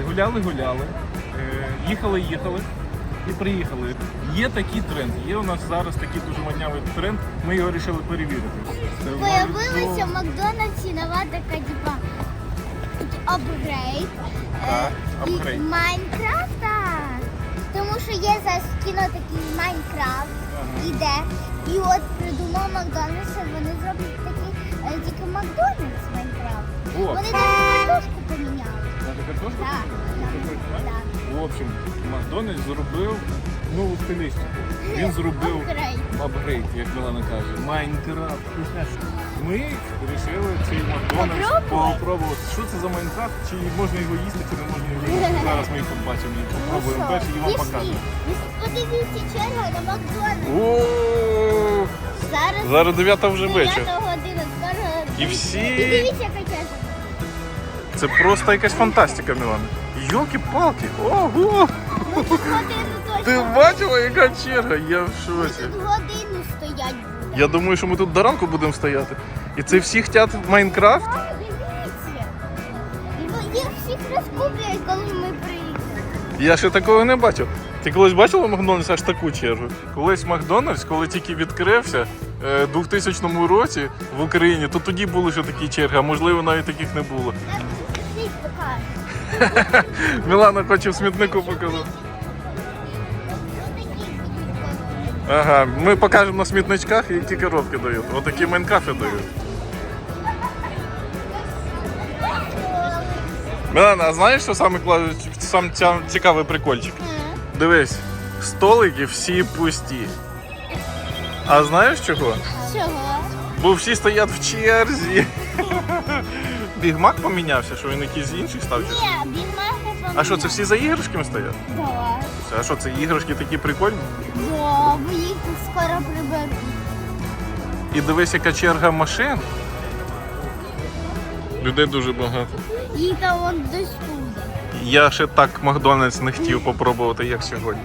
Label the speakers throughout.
Speaker 1: гуляли, їхали і приїхали. Є такий тренд, є у нас зараз такий дуже моднявий тренд, ми його вирішили перевірити.
Speaker 2: Появилася в Макдональдсі нова така, типа, апгрейд.
Speaker 1: Так, апгрейд.
Speaker 2: Майнкрафта. Тому що є зараз кіно такий Майнкрафт, іде. І от придумав Макдональдс, вони зроблять такий, тільки Макдональдс Майнкрафт.
Speaker 1: О.
Speaker 2: Вони навіть картошку поміняли.
Speaker 1: Навіть картошку?
Speaker 2: Так. Так.
Speaker 1: В общем, Макдональдс зробив нову стилістику. Він зробив апгрейд, як Мілана каже, Майнкрафт. Ми вирішили цей Макдональдс попробувати. Що це за Майнкрафт? Чи можна його їсти, чи не можна його їсти? Зараз ми їх побачимо і попробуємо перші і вам покажемо.
Speaker 2: Подивіться, черга на Макдональдс.
Speaker 1: О, зараз 9 вже вечір.
Speaker 2: 9 година, скоро.
Speaker 1: І всі...
Speaker 2: І дивіться, яка черга.
Speaker 1: Це просто якась фантастика, Мілана. Йолки-палки, ого! Ти бачила, яка черга? Я в шоці.
Speaker 2: Тут годину стоять буде.
Speaker 1: Я думаю, що ми тут до ранку будемо стояти. І це всі хочуть в Майнкрафт?
Speaker 2: Так, дивіться. І їх всіх розкуплять, коли ми приїдемо.
Speaker 1: Я ще такого не бачив. Ти колись бачила Макдональдс аж таку чергу? Колись Макдональдс, коли тільки відкрився в 2000 році в Україні, то тоді були ще такі черги, а можливо навіть таких не було.
Speaker 2: Так, світ покаже.
Speaker 1: Мілана хоче в смітнику показати. Ага, ми покажемо на смітничках, які коробки дають. Отакі Майнкрафти дають. Мілана, а знаєш, що сам цікавий прикольчик? Дивись, столики всі пусті. А знаєш чого?
Speaker 2: Чого?
Speaker 1: Бо всі стоять в черзі. Бігмак помінявся, що він якийсь інший став?
Speaker 2: Ні, бігмаки.
Speaker 1: А що, це всі за іграшками стоять?
Speaker 2: Так.
Speaker 1: А що, це іграшки такі прикольні?
Speaker 2: Да, бо їх скоро приберуть.
Speaker 1: І дивись, яка черга машин. Людей дуже багато.
Speaker 2: І там вон десь туди.
Speaker 1: Я ще так Макдональдс не хотів попробувати, як сьогодні.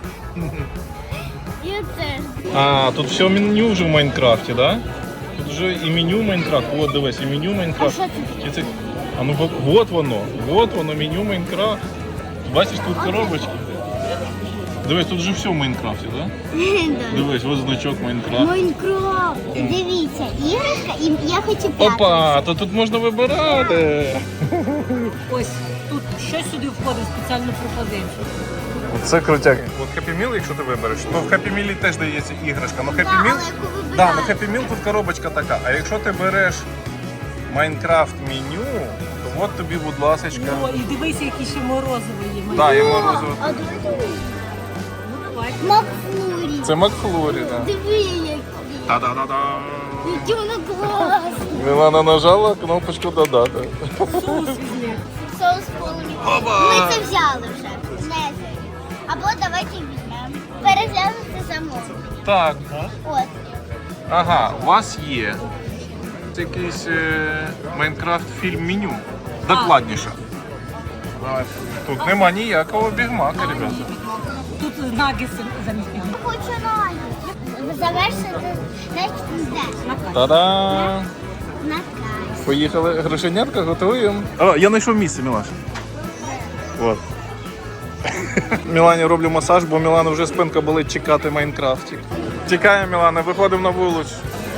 Speaker 2: І теж.
Speaker 1: А, тут все меню вже в Майнкрафті, так? Да? Тут вже і меню Майнкрафт. От дивись, і меню
Speaker 2: А
Speaker 1: Майнкрафт.
Speaker 2: що це таке?
Speaker 1: А ну от воно, меню Майнкрафт. Бачиш, тут коробочки. Дивись, тут вже все в Майнкрафті, так? Да? Дивись, ось значок Майнкрафт.
Speaker 2: Майнкрафт. Дивіться, іграшка, і я хочу п'яту.
Speaker 1: Опа, то тут можна вибирати.
Speaker 3: Ось тут щось сюди входить, спеціальну пропозицію.
Speaker 1: Це крутяк. От Happy Meal, якщо ти вибереш, то в Happy Meal теж дається іграшка. Но Happy
Speaker 2: Да,
Speaker 1: Meal,
Speaker 2: але яку вибираєш?
Speaker 1: да, но Happy Meal тут коробочка така. А якщо ти береш Майнкрафт меню, то от тобі, будь ласочка.
Speaker 3: О, і дивися, які ще морозиво є.
Speaker 1: Да, і
Speaker 2: О,
Speaker 1: морозиво.
Speaker 2: а давайте
Speaker 3: Ну давай.
Speaker 2: Макфлурі.
Speaker 1: Це Макфлурі, так.
Speaker 2: Диви, які.
Speaker 1: Та-да-да-да.
Speaker 2: Які вони класні.
Speaker 1: Мілана нажала кнопочку «Да-да-да».
Speaker 3: Соус візьми.
Speaker 2: Соус повний. Ми це взяли вже. Знизу. Або давайте візьмемо. Переглянути замовлення.
Speaker 1: Так.
Speaker 2: От.
Speaker 1: Ага, у вас є якийсь Майнкрафт фільм меню. Докладніше. Тут нема ніякого бігмака, ребята.
Speaker 3: Тут наггетси замість бігу.
Speaker 2: Хочу навіть. Завершити на
Speaker 1: Та-да!
Speaker 2: На кайф.
Speaker 1: Поїхали, грошенятка готуємо. О, я знайшов місце, Мілаш. От. Мілані роблю масаж, бо Мілана вже спинка болить чекати Майнкрафтик. Тікаємо, Мілана, виходимо на вулицю.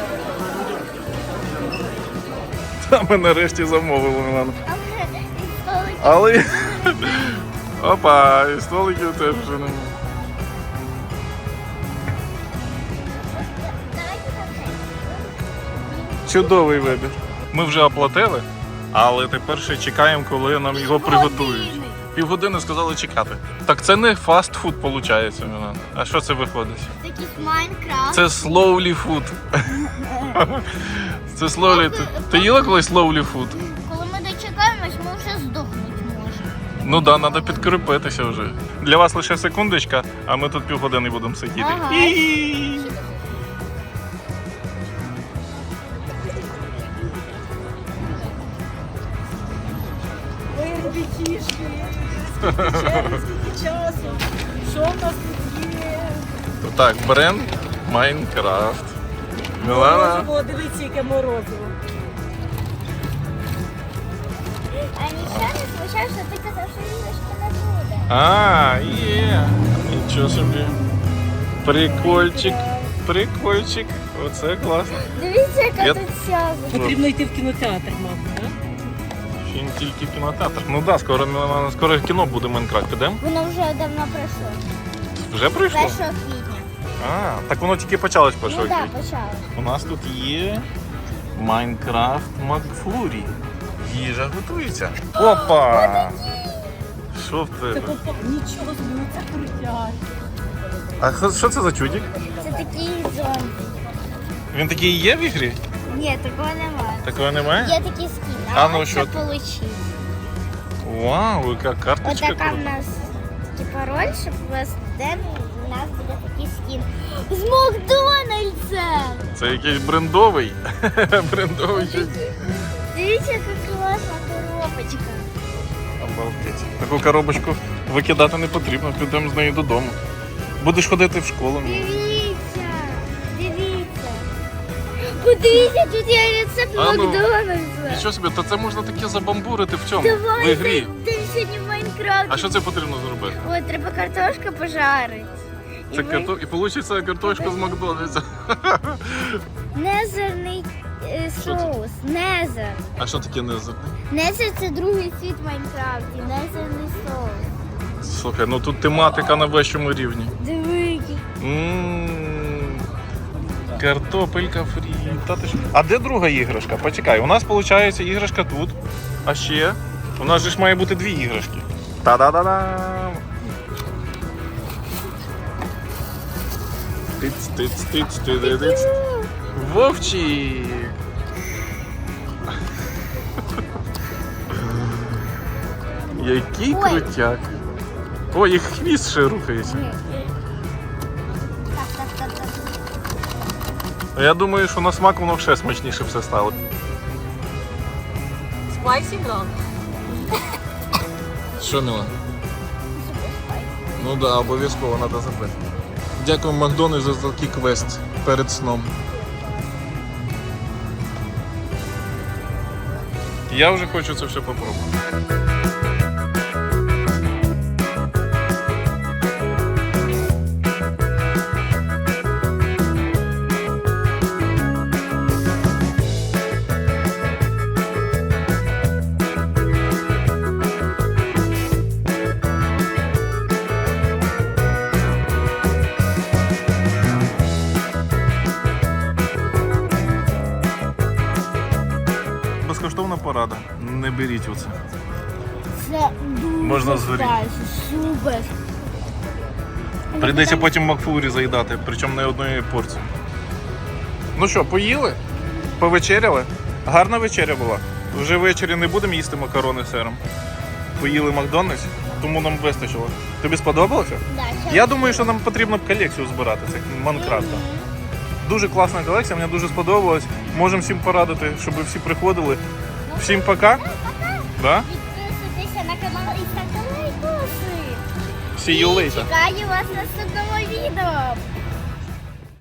Speaker 1: Та ми нарешті замовили, Мілана. Але... Опа, і столиків теж вже немає. Чудовий вибір. Ми вже оплатили, але тепер ще чекаємо, коли нам його приготують. Півгодини сказали чекати. Так це не фастфуд виходить, Мілана. А що це виходить?
Speaker 2: Такий Майнкрафт.
Speaker 1: Це slowly food. Це slowly. Ти їла колись slowly food?
Speaker 2: Коли ми дочекаємось, ми вже здохнути можемо.
Speaker 1: Ну так, треба підкріпитися вже. Для вас лише секундочка, а ми тут півгодини будемо сидіти.
Speaker 2: Ага.
Speaker 3: Ой, ребятішки, скільки часу. Що в нас тут є?
Speaker 1: Так, бренд Майнкрафт. Мілана.
Speaker 3: Морозиво, дивіться, яке морозиво.
Speaker 2: А нічого не Чаша, ти казав, що іграшки не буде.
Speaker 1: А, є. Нічого собі. Прикольчик. Прикольчик. Оце класно.
Speaker 2: Дивіться, яка
Speaker 1: Я-
Speaker 2: тут сяга.
Speaker 3: Потрібно йти в кінотеатр, мабуть, так?
Speaker 1: Ще не тільки в кінотеатр. Ну так, скоро кіно буде Майнкрафт. Підемо?
Speaker 2: Воно вже давно пройшло.
Speaker 1: Вже прийшло?
Speaker 2: 1 квітня.
Speaker 1: А, так воно тільки почалось
Speaker 2: Ну
Speaker 1: першого
Speaker 2: так,
Speaker 1: квітня.
Speaker 2: почалось.
Speaker 1: У нас тут є Майнкрафт Макфлурі. Їжа готується. Опа! Що в
Speaker 3: Це
Speaker 1: тебе?
Speaker 3: попа. Нічого собі, це крутяк.
Speaker 1: А що це за чудик?
Speaker 2: Це такий зомбі.
Speaker 1: Він такий є в ігрі?
Speaker 2: Ні, такого немає.
Speaker 1: Такого немає?
Speaker 2: Є такий скін,
Speaker 1: А ну,
Speaker 2: ось
Speaker 1: що
Speaker 2: це
Speaker 1: ти?
Speaker 2: получив.
Speaker 1: Вау, яка карточка
Speaker 2: Отака в
Speaker 1: крута.
Speaker 2: нас типа роль, щоб у нас буде такий скін. З Макдональдса!
Speaker 1: Це якийсь брендовий. Брендовий щось.
Speaker 2: Дивіться, яка класна коробочка.
Speaker 1: Обалдеть. Таку коробочку викидати не потрібно, підемо з нею додому. Будеш ходити в школу.
Speaker 2: Дивіться, дивіться. Подивіться, тут є рецепт
Speaker 1: А ну,
Speaker 2: Макдональдса.
Speaker 1: Нічого собі, то це можна таке забамбурити в цьому, в
Speaker 2: Давай,
Speaker 1: ігрі.
Speaker 2: йдемо сьогодні в Майнкрафт.
Speaker 1: А що це потрібно зробити?
Speaker 2: Ой, треба картошку пожарити.
Speaker 1: Це і вийде картошка з Макдональдса.
Speaker 2: Незерний
Speaker 1: Що це?
Speaker 2: соус. Незер.
Speaker 1: А що таке незер?
Speaker 2: Незер це другий світ в Майнкрафті. Незерний соус.
Speaker 1: Слухай, ну тут тематика на вищому рівні.
Speaker 2: Диви.
Speaker 1: М, Картопелька фрі. Та ти ж- А де друга іграшка? Почекай, у нас виходить іграшка тут. А ще у нас же ж має бути дві іграшки. Та-да-да-дам! Тиц-тиц-тиц-ти-ди-диц. Вовчик! Який
Speaker 2: Ой.
Speaker 1: крутяк! Ой, і хвіст ще рухається.
Speaker 2: Так.
Speaker 1: Я думаю, що на смак воно ще смачніше все стало.
Speaker 3: Спайсі грав.
Speaker 1: Що, Міла? Ну так, да, обов'язково треба забити. Дякую Макдональдсу за такий квест перед сном. Я вже хочу це все попробувати. Безкоштовна порада. Не беріть оце.
Speaker 2: Це дуже
Speaker 1: Можна згоріти.
Speaker 2: спайсі, супер.
Speaker 1: Прийдеться потім Макфлурі заїдати, причому не одної порції. Ну що, поїли? Повечеряли? Гарна вечеря була. Вже ввечері не будемо їсти макарони з сиром. Поїли Макдональдс, тому нам вистачило. Тобі сподобалося?
Speaker 2: Да, ще
Speaker 1: Я думаю, що нам потрібно колекцію збирати цих Майнкрафта. Дуже класна колекція, мені дуже сподобалось. Можемо всім порадити, щоб ви всі приходили. Всім пока. Да?
Speaker 2: Підписуйтеся на канал і ставте лайкоси.
Speaker 1: See you later.
Speaker 2: Чекаю вас в наступному відео.